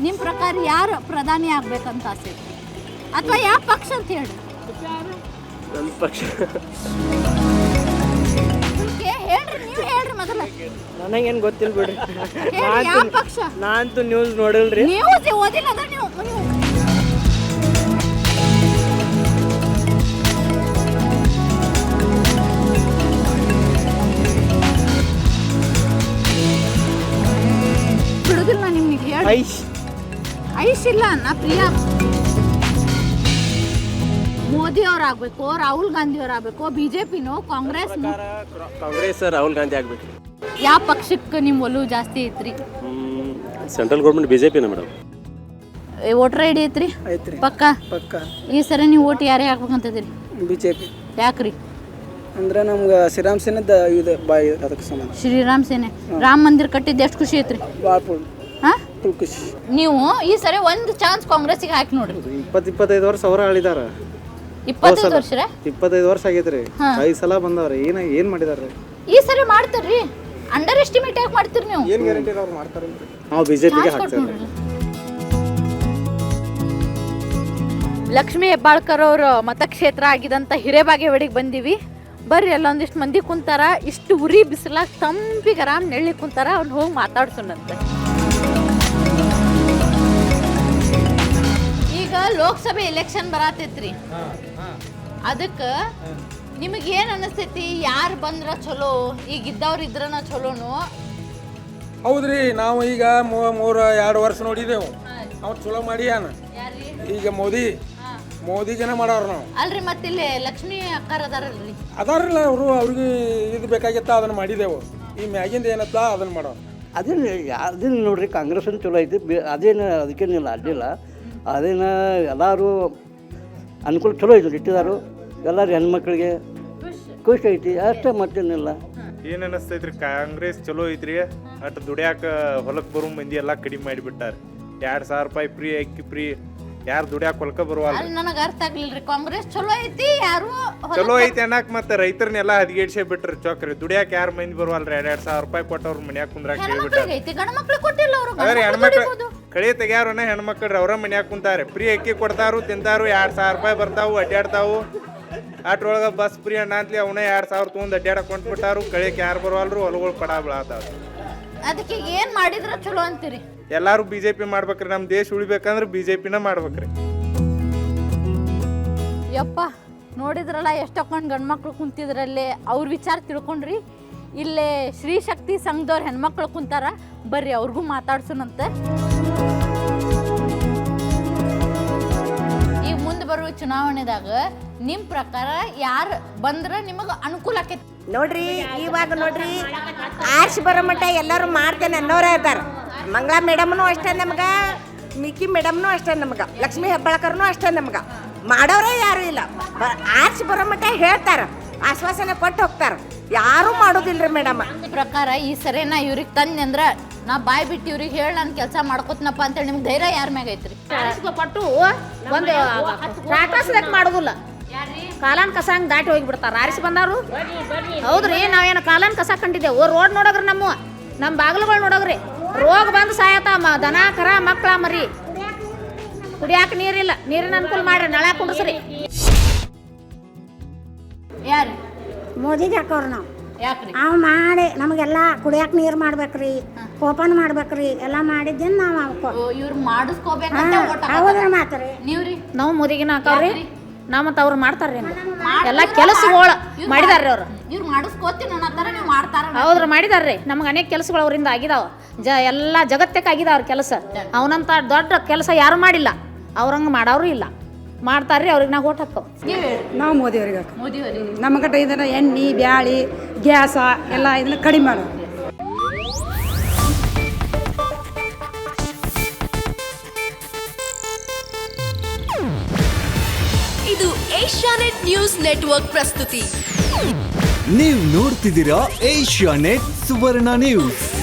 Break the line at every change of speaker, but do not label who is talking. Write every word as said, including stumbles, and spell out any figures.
ನಿಮ್ಮ ಪ್ರಕಾರ ಯಾರು ಪ್ರಧಾನಿ ಆಗ್ಬೇಕಂತ ಆಸೆ ಅಥವಾ ಯಾವ ಪಕ್ಷ ಅಂತ ಹೇಳಿ?
ನನ್ನ ಪಕ್ಷ
ಹೇಳ್ರಿ, ನೀವು ಹೇಳ್ರಿ ಮೊದಲ.
ನನಗೇನು ಗೊತ್ತಿಲ್ಲ ಬಿಡ್ರಿ.
ಯಾವ ಪಕ್ಷ?
ನಾನಂತೂ ನ್ಯೂಸ್ ನೋಡಿಲ್ರಿ.
ನ್ಯೂಸ್ ಓದಿಲ್ಲ ಅದ ನೀವು. ಬಿಡುದಿಲ್ಲ ನಿಮ್ಗೆ ಹೇಳಿ.
ಐಶ್
ಐಶ್ ಇಲ್ಲ ನಾ ಪ್ರಿಯಾ. ಮೋದಿ ಅವ್ರು ಆಗ್ಬೇಕು, ರಾಹುಲ್ ಗಾಂಧಿ ಅವ್ರು ಆಗ್ಬೇಕು, ಬಿಜೆಪಿನೋ ಕಾಂಗ್ರೆಸ್?
ಕಾಂಗ್ರೆಸ್ ರಾಹುಲ್ ಗಾಂಧಿ ಆಗ್ಬೇಕು.
ಯಾವ ಪಕ್ಷಕ್ಕೆ ನಿಮ್ಮ ಒಲವು ಜಾಸ್ತಿ ಐತ್ರಿ?
ಸೆಂಟ್ರಲ್ ಗೌರ್ಮೆಂಟ್ ಬಿಜೆಪಿನ ಮೇಡಮ್.
ವೋಟರ್ ಐ ಡಿ ಐತ್ರಿ?
ಐತ್ರಿ.
ಪಕ್ಕ
ಪಕ್ಕ.
ಈ ಸರಿ ನೀವು ಓಟ್ ಯಾರೇ ಹಾಕ್ಬೇಕಂತದಿರಿ?
ಬಿಜೆಪಿ.
ಯಾಕ್ರಿ?
ಅಂದ್ರೆ ನಮ್ಗೆ ಶ್ರೀರಾಮ್ ಸೇನೆದ ಇದು ಬಾಯಿ ಅದಕ್ಕೆ ಸಂಬಂಧ.
ಶ್ರೀರಾಮ್ ಸೇನೆ ರಾಮ ಮಂದಿರ ಕಟ್ಟಿದ್ದು ಎಷ್ಟು ಖುಷಿ ಐತ್ರಿ?
ಭಾಳ ಫುಲ್
ಹಾ
ಫುಲ್ ಖುಷಿ.
ನೀವು ಈ ಸರಿ ಒಂದು ಚಾನ್ಸ್ ಕಾಂಗ್ರೆಸ್ಸಿಗೆ ಹಾಕಿ ನೋಡ್ರಿ.
ಇಪ್ಪತ್ತು ಇಪ್ಪತ್ತೈದು ವರ್ಷ ಅವರ ಆಳಿದಾರ.
ಇಪ್ಪತ್ತೈದು ವರ್ಷ
ಇಪ್ಪತ್ತೈದು ವರ್ಷ ಆಗೈತ್ರಿ. ಐದು ಸಲ ಬಂದವ್ರಿ. ಏನ ಏನ್ ಮಾಡಿದಾರೆ?
ಈ ಸರಿ ಮಾಡ್ತಾರ್ರಿ. ಅಂಡರ್ ಎಸ್ಟಿಮೇಟ್ ಯಾಕೆ ಮಾಡ್ತೀರಿ ನೀವು?
ಏನು ಗ್ಯಾರಂಟಿ ಅವ್ರು ಮಾಡ್ತಾರೆ?
ನಾವು ಬಿಜೆಪಿಗೆ ಹಾಕ್ತೇವೆ.
ಲಕ್ಷ್ಮೀ ಹೆಬ್ಬಾಳ್ಕರ್ ಅವ್ರ ಮತಕ್ಷೇತ್ರ ಆಗಿದಂಥ ಹಿರೇಬಾಗೇವಾಡಿಗೆ ಬಂದೀವಿ. ಬರ್ರಿ, ಅಲ್ಲೊಂದಿಷ್ಟು ಮಂದಿ ಕುಂತಾರ. ಇಷ್ಟು ಉರಿ ಬಿಸಿಲಾಗ ತಂಪಿಗೆ ಆರಾಮ್ ನೆಳ್ಳಿ ಕುಂತಾರ. ಅವ್ನು ಹೋಗಿ ಮಾತಾಡ್ಸೋಣಂತೆ. ಈಗ ಲೋಕಸಭೆ ಎಲೆಕ್ಷನ್ ಬರತೈತ್ರಿ. ಅದಕ್ಕೆ ನಿಮಗೆ ಏನು ಅನಿಸ್ತೈತಿ? ಯಾರು ಬಂದ್ರ ಚಲೋ? ಈಗ ಇದ್ದವ್ರು ಇದ್ರನ ಚಲೋನು?
ಹೌದ್ರಿ, ನಾವು ಈಗ ಮೂರು ಎರಡು ವರ್ಷ ನೋಡಿದೆವು. ಅವ್ರು ಚಲೋ ಮಾಡ್ಯಾನ. ಈಗ ಮೋದಿ ಮೋದಿಗೆನ ಮಾಡವ್ರ ನಾವು.
ಅಲ್ರಿ, ಮತ್ತಿಲ್ಲಿ ಲಕ್ಷ್ಮೀ ಅಕ್ಕಾರ ಅದಾರಲ್ರಿ?
ಅದಾರಲ್ಲ ಅವರು. ಅವ್ರಿಗೆ ಇದು ಬೇಕಾಗಿತ್ತ ಅದನ್ನ ಮಾಡಿದೆವು. ಈ ಮ್ಯಾಗಿಂದ ಏನತ್ತ ಅದನ್ನ ಮಾಡೋರು.
ಅದೇನು ಅದೇನು ನೋಡ್ರಿ, ಕಾಂಗ್ರೆಸ್ ಅಂತ ಚಲೋ ಐತಿ. ಅದೇನು ಅದಕ್ಕೇನಿಲ್ಲ, ಅಡ್ಡಿಲ್ಲ. ಅದೇನು ಎಲ್ಲರೂ ಅನುಕೂಲ ಚಲೋ ಐತಿ ಇಟ್ಟಿದಾರು. ಎಲ್ಲರೂ ಹೆಣ್ಮಕ್ಳಿಗೆ ಖುಷಿ ಐತಿ ಅಷ್ಟೇ, ಮತ್ತೇನಿಲ್ಲ.
ಏನು ಅನ್ನಿಸ್ತೈತ್ರಿ? ಕಾಂಗ್ರೆಸ್ ಚಲೋ ಐತ್ರಿ. ಅಟ್ ದುಡ್ಯಾಕ ಹೊಲಕ್ಕೆ ಬರೋ ಮಂದಿ ಎಲ್ಲ ಕಡಿಮೆ ಮಾಡಿಬಿಟ್ಟಾರ. ಎರಡು ಸಾವಿರ ರೂಪಾಯಿ ಫ್ರೀ ಅಕ್ಕಿ ಫ್ರೀ. ಯಾರು ದುಡ್ಯಾಕ ಹೊಲಕ್ಕೆ ಬರುವಲ್ಲ.
ಅಲ್ಲಿ ನನಗೆ ಅರ್ಥ ಆಗ್ಲಿಲ್ರಿ. ಕಾಂಗ್ರೆಸ್ ಚಲೋ ಐತಿ, ಯಾರು
ಚಲೋ ಐತಿ ಅನ್ನಕ್ ಮತ್ತೆ ರೈತರನ್ನೆಲ್ಲ ಹದಿಗೇಡ್ಸೇ ಬಿಟ್ರಿ ಚೌಕ್ರಿ. ದುಡ್ಯಾಕ ಯಾರು ಮಂದಿ ಬರುವಲ್ರಿ. ಎರಡ್ ಎರಡ್ ಸಾವಿರ ರೂಪಾಯಿ ಕೊಟ್ಟವ್ರ ಮನ್ಯಾಗ ಕುಂದ್ರಾಕ ಹೇಳ್ಬಿಟ್ಟಾರ.
ಗಂಡ ಮಕ್ಳಿಗೆ ಕೊಟ್ಟಿಲ್ಲ ಅವರು.
ಅದ್ರಿ ಹೆಣ್ಮಕ್ಳು ಕಳೆ ತೆಗ್ಯಾರನ ಹೆಣ್ಮಕ್ಳ್ರಿ ಅವ್ರ ಮನ್ಯಾಗ ಕುಂತಾರೆ. ಫ್ರೀ ಅಕ್ಕಿ ಕೊಡ್ತಾರು, ತಿಂತಾರು. ಎರಡ್ ಸಾವಿರ ರೂಪಾಯಿ ಬರ್ತಾವು, ಅಡ್ಡಾಡ್ತಾವು. ಅಟ್ರೊಳಗ ಬಸ್ ಫ್ರೀ ಅಣ್ಣ ಅಂತಲಿ ಅವನೇ ಎರಡ್ ಸಾವಿರ ತೊಗೊಂಡು ಅಡ್ಡಾಡಕ್ ಕೊಂಡ್ಬಿಟ್ಟಾರು. ಕಳೆಕ್ ಯಾರು ಬರುವಲ್ರು, ಹೊಲಗಳು ಪಡ ಬೀಳತಾವ.
ಅದಕ್ಕೆ ಏನ್ ಮಾಡಿದ್ರ ಚಲೋ ಅಂತೀರಿ?
ಎಲ್ಲಾರು ಬಿಜೆಪಿ ಮಾಡ್ಬೇಕ್ರಿ. ನಮ್ ದೇಶ ಉಳಿಬೇಕಂದ್ರೆ ಬಿಜೆಪಿನ ಮಾಡ್ಬೇಕ್ರಿ.
ಯಪ್ಪ, ನೋಡಿದ್ರಲ್ಲ ಎಷ್ಟೊಂದು ಗಂಡ್ಮಕ್ಳು ಕುಂತಿದ್ರಲ್ಲಿ. ಅವ್ರ ವಿಚಾರ ತಿಳ್ಕೊಂಡ್ರಿ. ಇಲ್ಲೇ ಶ್ರೀ ಶಕ್ತಿ ಸಂಘದವ್ರ ಹೆಣ್ಮಕ್ಳು ಕುಂತಾರ. ಬರ್ರಿ, ಅವ್ರಿಗೂ ಮಾತಾಡ್ಸೋಣಂತೆ. ಈಗ ಮುಂದೆ ಬರುವ ಚುನಾವಣೆದಾಗ ನಿಮ್ಮ ಪ್ರಕಾರ ಯಾರು ಬಂದ್ರೆ ನಿಮಗೆ ಅನುಕೂಲ ಆಕೈತಿ?
ನೋಡ್ರಿ, ಇವಾಗ ನೋಡ್ರಿ, ಆರ್ಸಿ ಬರೋ ಮಟ್ಟ ಎಲ್ಲರೂ ಮಾಡ್ತೇನೆ ಅನ್ನೋರೇ ಇದ್ದಾರೆ. ಮಂಗಳಾ ಮೇಡಮ್ನು ಅಷ್ಟೇ ನಮ್ಗೆ, ಮಿಕ್ಕಿ ಮೇಡಮ್ನು ಅಷ್ಟೇ ನಮ್ಗೆ, ಲಕ್ಷ್ಮೀ ಹೆಬ್ಬಾಳ್ಕರ್ನು ಅಷ್ಟೇ ನಮ್ಗೆ. ಮಾಡೋರೇ ಯಾರು ಇಲ್ಲ. ಆರ್ಸಿ ಬರೋ ಮಟ್ಟ ಹೇಳ್ತಾರೆ, ಆಶ್ವಾಸನೆ ಕೊಟ್ಟು ಹೋಗ್ತಾರೆ. ಯಾರೂ ಮಾಡೋದಿಲ್ರಿ ಮೇಡಮ್.
ಪ್ರಕಾರ ಈ ಸರಿ ನಾ ಇವ್ರಿಗೆ ತಂದೆ ಅಂದ್ರೆ ನಾ ಬಾಯ್ ಬಿಟ್ಟು ಇವ್ರಿಗೆ ಹೇಳಿ ನಾನು ಕೆಲಸ ಮಾಡ್ಕೋತನಪ್ಪ ಅಂತೇಳಿ ನಿಮ್ಗೆ ಧೈರ್ಯ ಯಾರ ಮ್ಯಾಗ ಐತ್ರಿ?
ಪಟ್ಟು ಒಂದು ಟಾಟಾಸ್ದಾಗ ಮಾಡೋದಿಲ್ಲ. ಕಾಲಾನ್ ಕಸ ಹಂಗೆ ದಾಟಿ ಹೋಗಿಬಿಡ್ತಾರ. ಆರಿಸಿ ಬಂದಾರು. ಹೌದ್ರಿ, ನಾವೇನು ಕಾಲಾನ್ ಕಸ ಕಂಡಿದ್ದೇವೆ. ರೋಡ್ ನೋಡೋಗ್ರಿ, ನಮ್ಮ ನಮ್ಮ ಬಾಗಿಲುಗಳು ನೋಡೋಗ್ರಿ. ರೋಗ ಬಂದು ಸಾಯತಾವ. ದನ ಕರ ಮಕ್ಕಳ ಮರಿ ಕುಡಿಯಾಕ ನೀರಿಲ್ಲ. ನೀರಿನ ಅನುಕೂಲ ಮಾಡ್ರಿ, ನಳ ಕುಡಿಸ್ರಿ.
ಯಾರು
ಮೋದಿಗೆ ಹಾಕೋರು ನಾವು.
ಯಾಕ್ರಿ?
ಅವು ಮಾಡಿ ನಮಗೆಲ್ಲ ಕುಡಿಯಾಕ ನೀರು ಮಾಡ್ಬೇಕ್ರಿ, ಓಪನ್ ಮಾಡ್ಬೇಕ್ರಿ, ಎಲ್ಲ ಮಾಡಿದ್ದೇನು ನಾವು.
ಇವ್ರು ಮಾಡಿಸ್ಕೋಬೇಕಂತ
ಹೌದ್ರ ಮಾತ್ರಿ.
ನೀವ್ರಿ?
ನಾವು ಮೋದಿಗಿನ ಹಾಕವ್ರಿ. ನಾವು ಮತ್ತು ಅವ್ರು ಮಾಡ್ತಾರ್ರಿ. ಎಲ್ಲ ಕೆಲಸಗಳು ಮಾಡಿದಾರ್ರಿ ಅವ್ರು.
ಇವ್ರು ಮಾಡಿಸ್ಕೋತೀನಿ ಅನ್ನತ್ತಾರ, ನೀವು ಮಾಡ್ತಾರ?
ಹೌದ್ರಿ, ಮಾಡಿದಾರ್ರಿ. ನಮ್ಗೆ ಅನೇಕ ಕೆಲಸಗಳು ಅವರಿಂದ ಆಗಿದಾವ. ಜ ಎಲ್ಲ ಜಗತ್ತಕ್ಕೆ ಆಗಿದಾವ್ರ ಕೆಲಸ. ಅವನಂತ ದೊಡ್ಡ ಕೆಲಸ ಯಾರು ಮಾಡಿಲ್ಲ. ಅವ್ರಂಗೆ ಮಾಡೋರು ಇಲ್ಲ. ಮಾಡ್ತಾರ್ರಿ, ಅವ್ರಿಗೆ ನಾವು ಓಟ್ ಹಾಕೋ.
ನಾವು ಮೋದಿಯವ್ರಿಗೆ
ಮೋದಿಯವ್ರಿ
ನಮ್ಮ ಕಡೆ ಇದನ್ನ ಎಣ್ಣೆ ಬ್ಯಾಳಿ ಗ್ಯಾಸ ಎಲ್ಲ ಇದನ್ನ ಕಡಿಮೆ ಮಾಡೋದು.
ಇದು ಏಷ್ಯಾನೆಟ್ ನ್ಯೂಸ್ ನೆಟ್ವರ್ಕ್ ಪ್ರಸ್ತುತಿ.
ನೀವು ನೋಡ್ತಿದ್ದೀರಾ ಏಷ್ಯಾನೆಟ್ ಸುವರ್ಣ ನ್ಯೂಸ್.